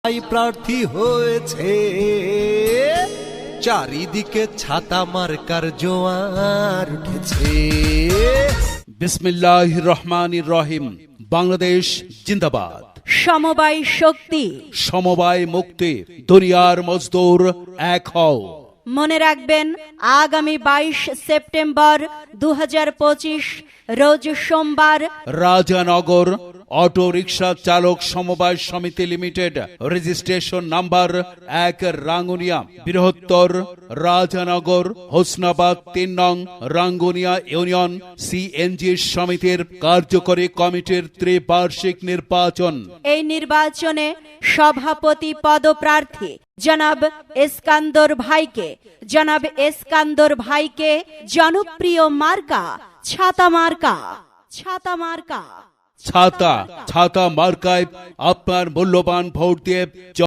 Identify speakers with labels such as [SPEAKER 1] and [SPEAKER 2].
[SPEAKER 1] প্রার্থী হয়েছে, চারিদিকে ছাতা মার্কার জোয়ার উঠেছে।
[SPEAKER 2] বিসমিল্লাহির রহমানির রহিম। বাংলাদেশ জিন্দাবাদ।
[SPEAKER 3] সমবায় শক্তি,
[SPEAKER 2] সমবায় মুক্তি, দুনিয়ার মজদুর এক হও।
[SPEAKER 3] মনে রাখবেন আগামী 22 সেপ্টেম্বর 2025 রোজ সোমবার
[SPEAKER 2] রাজানগর অটো রিক্সা চালক সমবায় সমিতি লিমিটেড, রেজিস্ট্রেশন নাম্বার 1, রাঙ্গুনিয়া, বৃহত্তর রাজানগর, হোসনাবাদ 3 নং রাঙ্গুনিয়া ইউনিয়ন সিএনজি সমিতির কার্যকরী কমিটির ত্রিবার্ষিক নির্বাচন।
[SPEAKER 3] এই নির্বাচনে সভাপতি পদপ্রার্থী জনাব এসকান্দর ভাইকে জনপ্রিয় মার্কা ছাতা মার্কা।
[SPEAKER 2] ছাতা মার্কায় আপনার মূল্যবান ভোট দিয়ে